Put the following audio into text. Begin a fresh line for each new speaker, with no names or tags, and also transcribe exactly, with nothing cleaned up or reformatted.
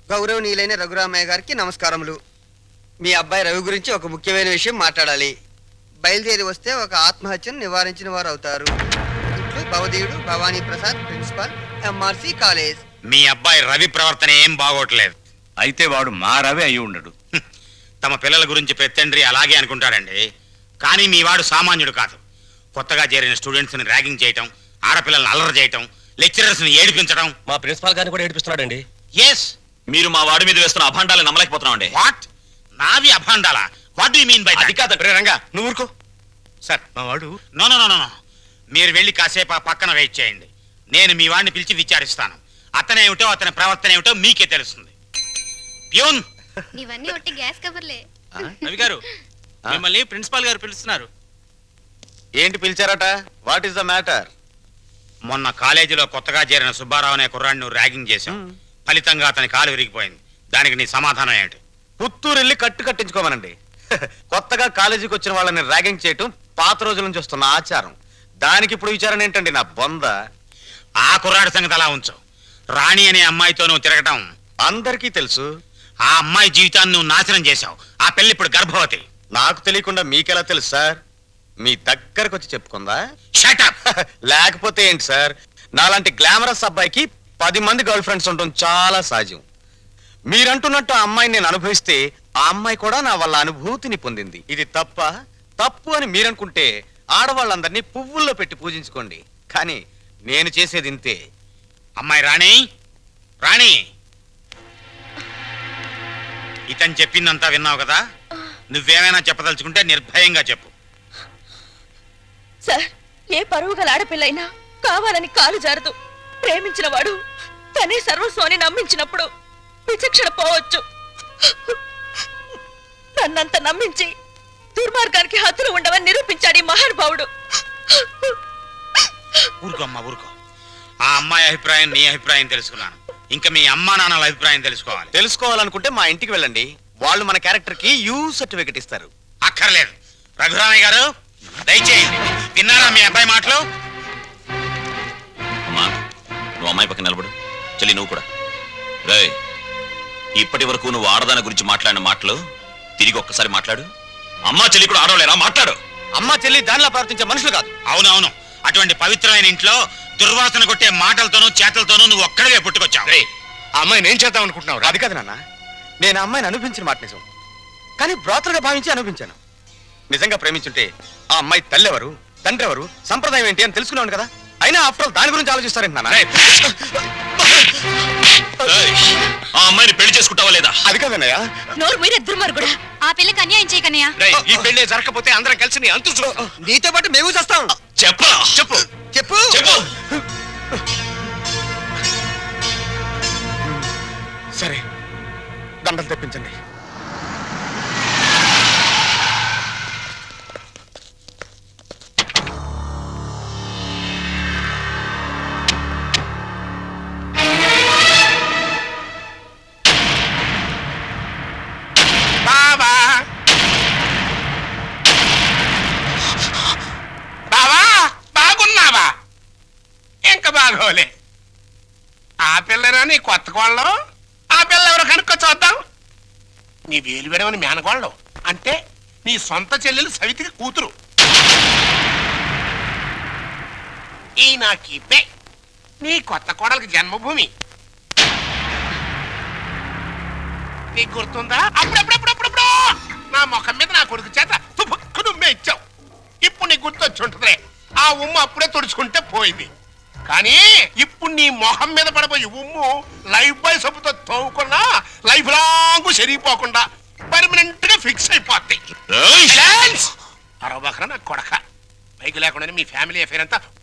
గౌరవనీయులైన రఘురామయ్య గారికి నమస్కారములు. మీ అబ్బాయి రవి గురించి ఒక ముఖ్యమైన విషయం మాట్లాడాలి. బయలుదేరి వస్తే ఒక ఆత్మహత్యను నివారించిన వారు అవుతారు. ఇట్లు భవదీయుడు Bhavani Prasad, principal, MRC college.
మీ అబ్బాయి రవి ప్రవర్తన ఏం బాగోట్లేదు.
అయితే వాడు మా రవి అయి ఉండడు.
తమ పిల్లల గురించి పెత్తండ్రి అలాగే అనుకుంటాడండి. కానీ మీ వాడు సామాన్యుడు కాదు. కొత్తగా చేరిన స్టూడెంట్స్ ని ర్యాగింగ్ చేయటం, ఆడపిల్లల్ని అల్లరి చేయటం, లెక్చరర్స్ ని ఏడిపించడం.
మా ప్రిన్సిపాల్ గారిని కూడా ఏడిపిస్తున్నాడండి.
ఎస్,
మీరు మా వాడి మీద వేస్తున్న అభాండాలు నమ్మలేకపోతున్నాం అండి.
వాట్? నావి అభాండాలా? What do you mean by that?
అది కాదండి రంగా,
నువ్వు ఊరుకో సార్. మా వాడు
నో నో నో నో మీరు వెళ్ళి కాసేపు ఆ పక్కన వెయిట్ చేయండి. నేను మీ వాడిని పిలిచి విచారిస్తాను. అతనేమిటో అతని ప్రవర్తన ఏమిటో మీకే తెలుస్తుంది. ప్యూన్,
ఇవన్నీ ఒట్టి గ్యాస్ కవర్లే.
రవి గారు, మిమ్మల్ని ప్రిన్సిపాల్ గారు పిలుస్తున్నారు.
ఏంటి పిలిచారట? What is the matter?
మొన్న కాలేజీలో కొత్తగా చేరిన సుబ్బారావు అనే కుర్రాడిని నువ్వు ర్యాగింగ్ చేశావు. ఫలితంగా అతని కాలు విరిగిపోయింది. దానికి నీ సమాధానం ఏంటి?
పుత్తూరు వెళ్ళి కట్టు కట్టించుకోమనండి. కొత్తగా కాలేజీకి వచ్చిన వాళ్ళని ర్యాగింగ్ చేయటం పాత రోజుల నుంచి వస్తున్న ఆచారం. దానికి ఇప్పుడు విచారణ ఏంటండి నా బొంద?
ఆ కుర్రాడి సంగతి అలా ఉంచు. రాణి అనే అమ్మాయితో నువ్వు తిరగటం
అందరికీ తెలుసు.
ఆ అమ్మాయి జీవితాన్ని నువ్వు నాశనం చేశావు. ఆ పెళ్లి ఇప్పుడు గర్భవతి.
నాకు తెలియకుండా మీకెలా తెలుసు సార్? మీ దగ్గరకు వచ్చి చెప్పుకుందా?
Shut up.
లేకపోతే ఏంటి సార్, నాలాంటి గ్లామరస్ అబ్బాయికి పది మంది గర్ల్ ఫ్రెండ్స్ ఉండటం చాలా సహజం. మీరంటున్నట్టు ఆ అమ్మాయిని నేను అనుభవిస్తే ఆ అమ్మాయి కూడా నా వల్ల అనుభూతిని పొందింది. ఇది తప్ప? తప్పు అని మీరనుకుంటే ఆడవాళ్ళందరినీ పువ్వుల్లో పెట్టి పూజించుకోండి. కానీ నేను చేసేది ఇంతే.
అమ్మాయి రాణి, రాణి, ఇతను చెప్పిందంతా విన్నావు కదా? నువ్వేమైనా చెప్పదలుచుకుంటే నిర్భయంగా చెప్పు.
సార్, ఏ పరువు గల ఆడపిల్లైనా కావాలని కాలు జారదు. ప్రేమించిన వాడు తనే సర్వస్వాన్ని నమ్మించినప్పుడు విచక్షణ పోవచ్చు. నన్నంత నమ్మించి దుర్మార్గానికి హద్దులు ఉండవని నిరూపించాడు ఈ మహానుభావుడు.
ఊరుకో అమ్మా, ఊరుకో. ఆ అమ్మాయి అభిప్రాయం నీ అభిప్రాయం తెలుసుకున్నాను. ఇంకా మీ అమ్మా నాన్నల అభిప్రాయం తెలుసుకోవాలి.
తెలుసుకోవాలనుకుంటే మా ఇంటికి వెళ్ళండి. వాళ్ళు మన క్యారెక్టర్ కి యూ సర్టిఫికెట్ ఇస్తారు.
అక్కర్లేదు. రఘురామయ్య గారు దయచేయండి. విన్నారా మీ అబ్బాయి మాటలు?
అమ్మా, నువ్వు అమ్మాయి పక్కన నిలబడు. చెల్లి నువ్వు కూడా. రే, ఇప్పటి వరకు నువ్వు ఆడదాని గురించి మాట్లాడిన మాటలు తిరిగి ఒక్కసారి మాట్లాడు. అమ్మా చెల్లి కూడా ఆడవలేరా? మాట్లాడు.
అమ్మ చెల్లి దానిలా ప్రవర్తించే మనుషులు కాదు.
అవునవును. అటువంటి పవిత్రమైన ఇంట్లో దుర్వాసన కొట్టే మాటలతోనూ చేతలతోనూ నువ్వు ఒక్కడే పుట్టుకొచ్చావు.
ఆ అమ్మాయిని ఏం చేద్దాం అనుకుంటున్నావు? అది కాదు నాన్న, నేను ఆ అమ్మాయిని అనిపించిన మాట నిజం. కానీ బ్రాతలుగా భావించి అనిపించాను. నిజంగా ప్రేమించుంటే ఆ అమ్మాయి తల్లి ఎవరు, తండ్రి ఎవరు, సంప్రదాయం ఏంటి అని తెలుసుకున్నాను కదా. అయినా ఆఫ్టర్ ఆల్ దాని గురించి ఆలోచిస్తారేంటి నాన్న?
ఆ అమ్మాయిని పెళ్లి చేసుకుంటావా లేదా?
అది కాదన్నయ్య.
నోరు మీరే దుర్మార్గుడా.
ఆ పిల్లకి అన్యాయం చేయకన్నయ్య.
ఈ పెళ్లి జరగకపోతే అందరం కలిసి నీ అంతు చూ.
నీతో పాటు మేము చేస్తాం.
చెప్పరా? చెప్పు
చెప్పు
చెప్పు.
సరే, దండలు తెప్పించండి.
బావా, బావా, బాగున్నావా? ఇంకా బాగోలే. ఆ పిల్లరా నీ కొత్త కోళ్ళం? ఆ పిల్ల ఎవరో కనుక్కో చూద్దాం. నీ వేలు విడవని మేనకోళ్ళం అంటే నీ సొంత చెల్లెలు సవితికి కూతురు. ఈ నా కీపే నీ కొత్త కోడలకి జన్మభూమి. నీకు గుర్తుందా? అప్పుడప్పుడప్పుడప్పుడు నా ముఖం మీద నా కొడుకు చేత తుపుక్కు నుమ్మే ఇచ్చావు. ఇప్పుడు నీకు గుర్తొచ్చి ఉంటుందిలే. ఆ ఉమ్ము అప్పుడే తుడుచుకుంటే పోయింది. కానీ ఇప్పుడు నీ మొహం మీద పడబోయే ఉమ్ము లైఫ్ బాయ్ సబ్బుతో తోవుకున్నా లైఫ్ లాంగ్ సరిగిపోకుండా పర్మనెంట్ గా ఫిక్స్ అయిపోతాయి. అరవబకరా నా కొడక. బైక్ లేకుండానే మీ ఫ్యామిలీ అఫేర్ అంతా